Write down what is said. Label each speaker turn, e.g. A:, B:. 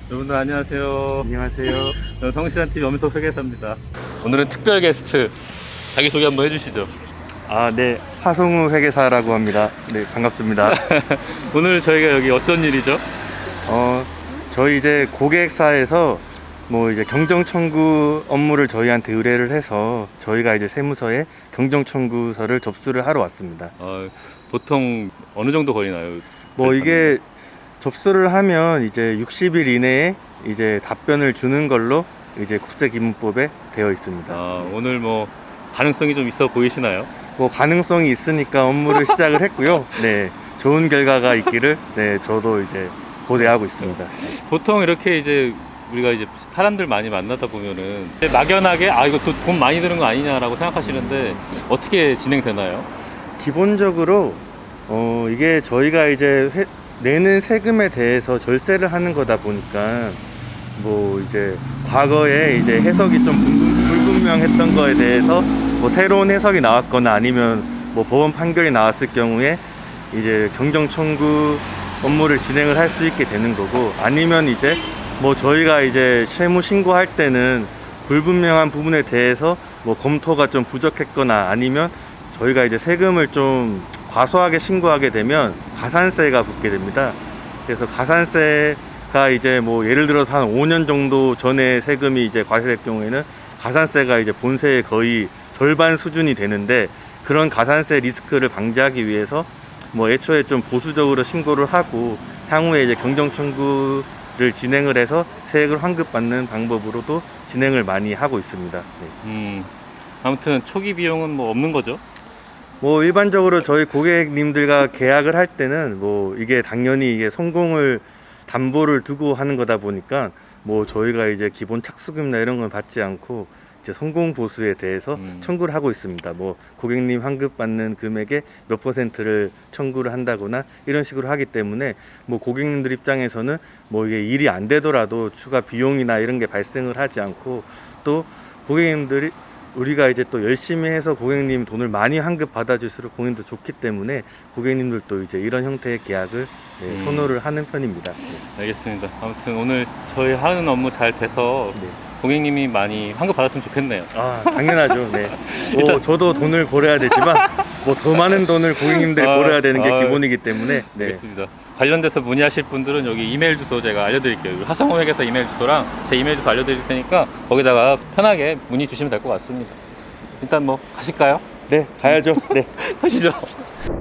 A: 여러분들 안녕하세요.
B: 안녕하세요.
A: 저는 성실한TV 엄석 회계사입니다. 오늘은 특별 게스트 자기소개 한번 해주시죠.
B: 네. 하성우 회계사라고 합니다. 네, 반갑습니다.
A: 오늘 저희가 여기 어떤 일이죠?
B: 저희 이제 고객사에서 이제 경정 청구 업무를 저희한테 의뢰를 해서 저희가 이제 세무서에 경정 청구서를 접수를 하러 왔습니다.
A: 보통 어느 정도 걸리나요?
B: 이게 접수를 하면 이제 60일 이내에 이제 답변을 주는 걸로 이제 국세기문법에 되어 있습니다.
A: 오늘 가능성이 좀 있어 보이시나요?
B: 가능성이 있으니까 업무를 시작을 했고요. 네, 좋은 결과가 있기를 저도 이제 고대하고 있습니다.
A: 보통 이렇게 이제 우리가 이제 사람들 많이 만나다 보면은 막연하게 이거 돈 많이 드는 거 아니냐라고 생각하시는데 어떻게 진행되나요?
B: 기본적으로 이게 저희가 이제 내는 세금에 대해서 절세를 하는 거다 보니까 이제 과거에 이제 해석이 좀 불분명했던 거에 대해서 새로운 해석이 나왔거나 아니면 법원 판결이 나왔을 경우에 이제 경정 청구 업무를 진행을 할 수 있게 되는 거고, 아니면 이제 저희가 이제 세무 신고할 때는 불분명한 부분에 대해서 검토가 좀 부족했거나 아니면 저희가 이제 세금을 좀 과소하게 신고하게 되면 가산세가 붙게 됩니다. 그래서 가산세가 이제 예를 들어서 한 5년 정도 전에 세금이 이제 과세될 경우에는 가산세가 이제 본세의 거의 절반 수준이 되는데, 그런 가산세 리스크를 방지하기 위해서 애초에 좀 보수적으로 신고를 하고 향후에 이제 경정 청구를 진행을 해서 세액을 환급받는 방법으로도 진행을 많이 하고 있습니다. 네.
A: 아무튼 초기 비용은 없는 거죠?
B: 일반적으로 저희 고객님들과 계약을 할 때는 이게 당연히 이게 성공을 담보를 두고 하는 거다 보니까 저희가 이제 기본 착수금이나 이런 건 받지 않고 이제 성공 보수에 대해서 청구를 하고 있습니다. 고객님 환급 받는 금액의 몇 %를 청구를 한다거나 이런 식으로 하기 때문에 고객님들 입장에서는 이게 일이 안 되더라도 추가 비용이나 이런 게 발생을 하지 않고, 또 고객님들이 우리가 이제 또 열심히 해서 고객님 돈을 많이 환급 받아줄수록 고객님도 좋기 때문에 고객님들도 이제 이런 형태의 계약을 선호를 하는 편입니다.
A: 알겠습니다. 아무튼 오늘 저희 하는 업무 잘 돼서 고객님이 많이 환급 받았으면 좋겠네요.
B: 당연하죠. 네. 저도 돈을 벌어야 되지만 더 많은 돈을 고객님들이 벌어야 되는 게 기본이기 때문에. 네.
A: 알겠습니다. 관련돼서 문의하실 분들은 여기 이메일 주소 제가 알려드릴게요. 하성우 회계사 이메일 주소랑 제 이메일 주소 알려드릴 테니까 거기다가 편하게 문의 주시면 될 것 같습니다. 일단 가실까요?
B: 네, 가야죠. 네.
A: 가시죠.